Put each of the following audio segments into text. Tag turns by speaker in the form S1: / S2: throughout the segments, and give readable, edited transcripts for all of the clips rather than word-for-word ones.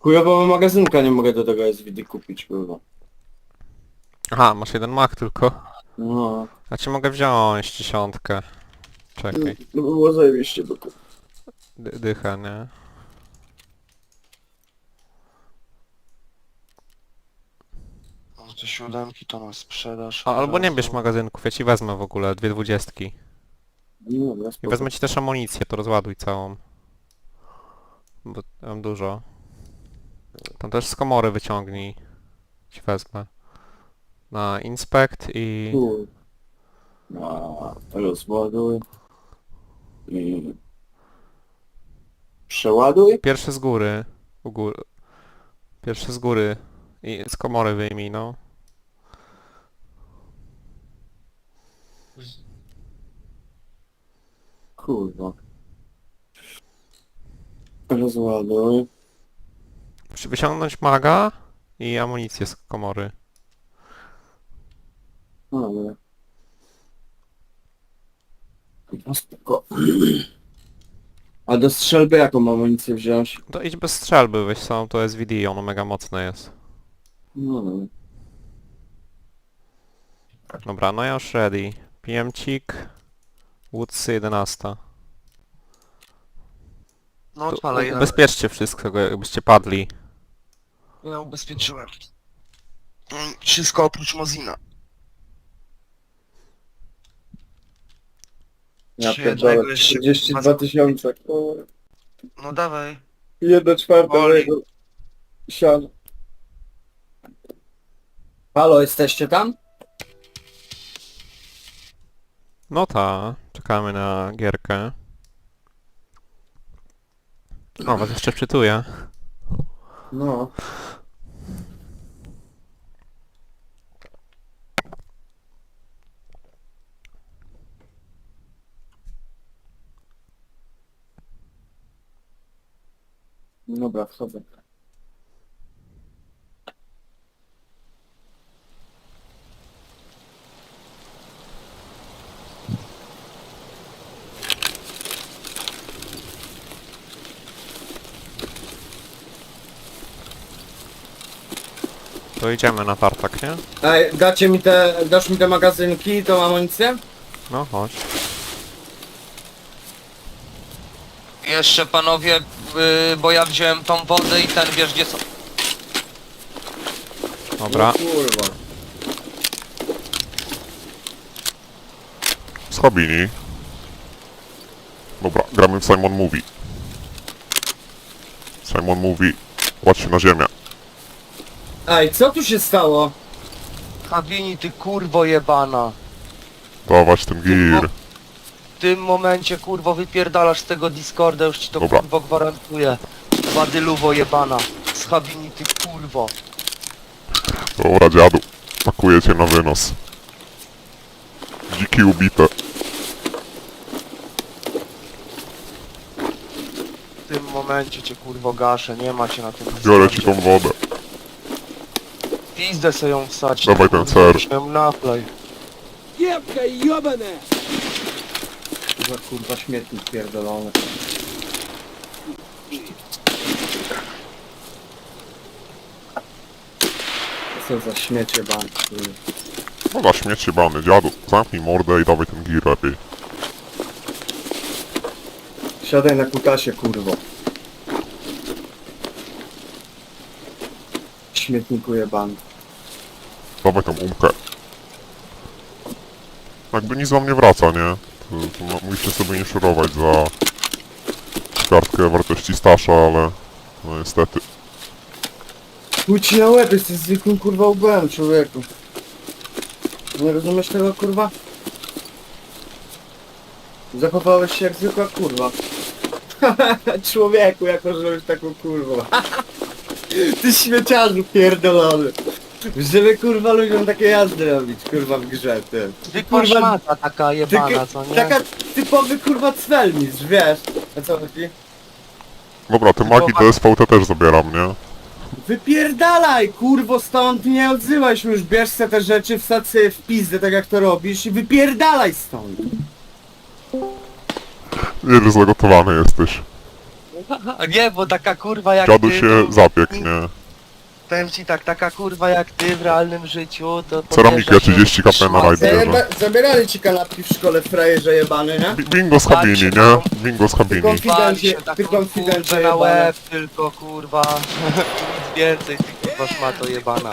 S1: Chujowo magazynka nie mogę do tego SVD kupić, kurwa.
S2: Aha, masz jeden mak tylko.
S1: No,
S2: A ci mogę wziąć dziesiątkę. Czekaj.
S1: no by było zajebiście, bo to...
S2: Dycha, nie?
S3: No te siódemki to na sprzedaż.
S2: A, albo nie
S3: razu.
S2: bierz magazynków, ja ci wezmę w ogóle, dwie dwudziestki.
S1: No, dobra,
S2: I
S1: spoko.
S2: wezmę ci też amunicję, to rozładuj całą. Bo mam dużo. Tam też z komory wyciągnij. Ci wezmę. Na inspect i...
S1: Tu. Rozładuj. I... Przeładuj?
S2: Pierwszy z góry. U góry. Pierwszy z góry. I z komory wyjmij, no.
S1: Kurwa. Rozładuj.
S2: Muszę wyciągnąć maga i amunicję z komory.
S1: Ale... No spoko. A do strzelby jaką amunicję wziąć?
S2: To idź bez strzelby, weź samą to SVD, ono mega mocne jest.
S1: No, no.
S2: Dobra, no ja już ready. PM-cik. Woodsy 11.
S3: No
S2: To
S3: odpalaj, ja,
S2: ubezpieczcie wszystko, jakbyście padli.
S3: ja ubezpieczyłem. Wszystko oprócz Mozina.
S1: Ja
S3: Czy
S1: pierdolę,
S3: jednego jeszcze-
S1: 32 tysiące. Kurwa.
S3: No dawaj.
S1: 1/4
S3: Boli.
S1: mojego siana. Halo, jesteście tam?
S2: No ta, czekamy na gierkę. O, was jeszcze wczytuję.
S1: No. Dobra, wchodzę.
S2: To idziemy na tartak, nie?
S1: Ej, dasz mi te magazynki i tą amunicję?
S2: No chodź.
S3: Jeszcze panowie, bo ja wziąłem tą wodę i ten wiesz gdzie są.
S2: Dobra.
S1: No, kurwa.
S4: Schabini. Dobra, gramy w Simon Movie. Simon Movie. Kładź się na ziemię.
S1: Ej, co tu się stało?
S3: Habini, ty kurwo jebana.
S4: Dawać ten gir.
S3: W tym momencie kurwo wypierdalasz z tego Discorda, już ci to
S4: Dobra.
S3: kurwo gwarantuję. Badyluwo jebana. Z Habini, ty kurwo.
S4: Dobra, dziadu. Pakuję cię na wynos. Dziki ubite.
S3: W tym momencie cię kurwo gaszę, nie ma cię na tym
S4: Biorę ci tą
S3: Discordzie.
S4: wodę.
S3: Pizdę sobie ją wsać.
S4: Dawaj ten ser.
S3: Naplej.
S1: Za kurwa śmietnik pierdolony. Co za śmiecie bank, kurwa.
S4: No na śmieci bany, dziadu. Zamknij mordę i dawaj ten gir lepiej.
S1: Siadaj na kutasie, kurwo. Śmietniku jebany.
S4: Dawaj tą umkę. Jakby nic wam nie wraca, nie? To musicie sobie nie szurować za kartkę wartości stasza, ale no niestety.
S1: Chuj ci na łeb, jesteś zwykłym kurwa ubałem, człowieku. Nie rozumiesz tego, kurwa? Zachowałeś się jak zwykła kurwa. Człowieku, jako że już taką kurwą. Ty śmieciarzu pierdolony. Żeby kurwa ludziom takie jazdy robić, kurwa w grze, ty.
S3: Zwykła
S1: Kurwa,
S3: szmata taka jebana, co nie?
S1: Taka typowy kurwa cwelmistrz, wiesz? A co chodzi?
S4: Dobra, te magi DSVT też zabieram, nie?
S1: Wypierdalaj, kurwo, stąd nie odzywaj się już, bierz se te rzeczy, wsadź sobie w pizdę, tak jak to robisz i wypierdalaj stąd.
S4: Nieźle zagotowany jesteś.
S1: No
S3: Nie, bo taka kurwa jak
S4: Dziadu
S3: ty,
S4: się
S3: to-
S4: zapiekł, nie?
S3: Powiem ci tak, taka kurwa jak ty w realnym życiu, to...
S4: Ceramika
S3: podjeżdżasz
S4: 30 kp na
S3: szmat-
S4: rajd bierze.
S1: Zabierali ci kanapki w szkole, frajerze jebany, nie?
S4: Bingo z Habini, nie? Bingo z Habini.
S1: Tylko-
S3: Wali się
S1: Ty
S3: taką
S1: konfidencie
S3: kurwę na
S1: jebana.
S3: łeb, tylko kurwa. Nic więcej, ty kurwa szmato jebana.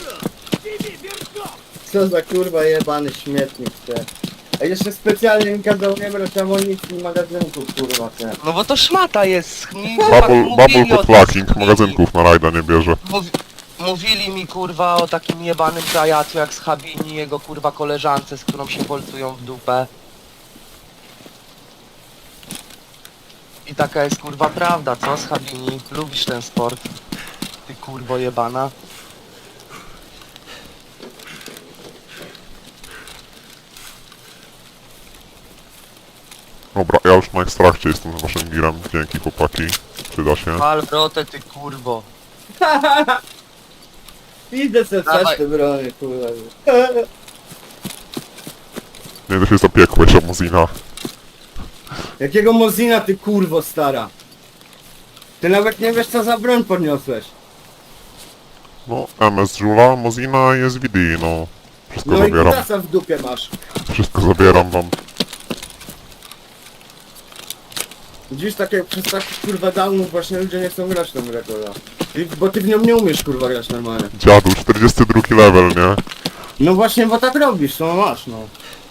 S1: Co za kurwa jebany śmietnik, te. A jeszcze specjalnie mi kazał nie brać amunicji i magazynków, kurwa, te.
S3: No bo to szmata jest.
S4: Bubble pod flacking, magazynków na rajda nie bierze.
S3: Mówili mi kurwa o takim jebanym zajacu jak z Habini, jego kurwa koleżance, z którą się polcują w dupę. I taka jest kurwa prawda, co z Habini? Lubisz ten sport? Ty kurwo jebana.
S4: Dobra, ja już na ekstrakcie jestem z waszym girem. Dzięki chłopaki. Przyda się.
S3: Pal wrotę ty kurwo.
S1: Idę se
S3: Dawaj.
S1: wstać te brony, kurwa.
S4: Nie, to się zapiekłeś, Amuzina.
S1: Jakiego Mozina ty kurwo stara? Ty nawet nie wiesz co za broń podniosłeś.
S4: No, MS Żula, Mozina i SVD, no. Wszystko
S1: No i
S4: zabieram.
S1: kutasa w dupie masz.
S4: Wszystko zabieram wam.
S1: Dziś takie, przez takich kurwa downów właśnie ludzie nie chcą grać w tą rekorda. Bo ty w nią nie umiesz kurwa grać normalnie.
S4: Dziadu, 42 level, nie?
S1: No właśnie, bo tak robisz, no masz no.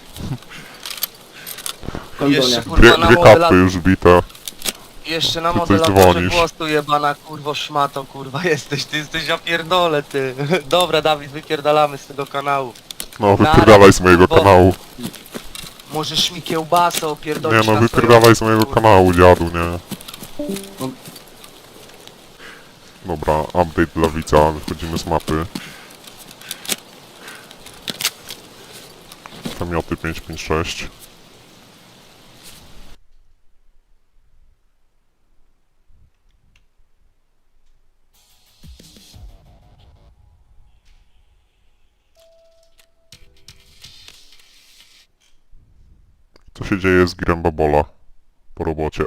S1: Kondonia.
S3: Jeszcze
S4: Dwie,
S3: kurwa na
S4: dwie
S3: modela...
S4: kapy już bite.
S3: Jeszcze na
S4: Ty coś
S3: modelatorze
S4: dzwonisz.
S3: głosu jebana kurwo szmato kurwa jesteś, ty jesteś ja pierdolę ty. Dobra Dawid, wypierdalamy z tego kanału.
S4: No, wypierdalaj z mojego
S3: bo-
S4: kanału.
S3: Możesz mi kiełbasę
S4: Nie
S3: opierdolić
S4: no,
S3: na
S4: wypierdalaj z mojego
S3: kurwa.
S4: kanału, dziadu, nie? Dobra, update dla widza, wychodzimy z mapy. Kamioty 556. Co się dzieje z Girem Babola po robocie?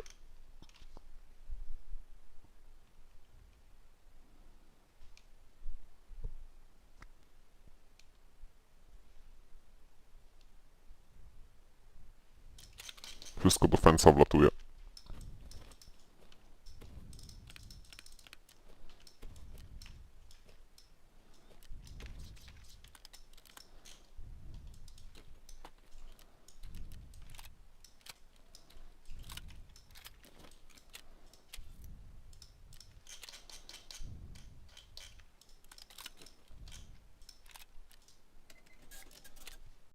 S4: Wszystko do fensa wlatuje.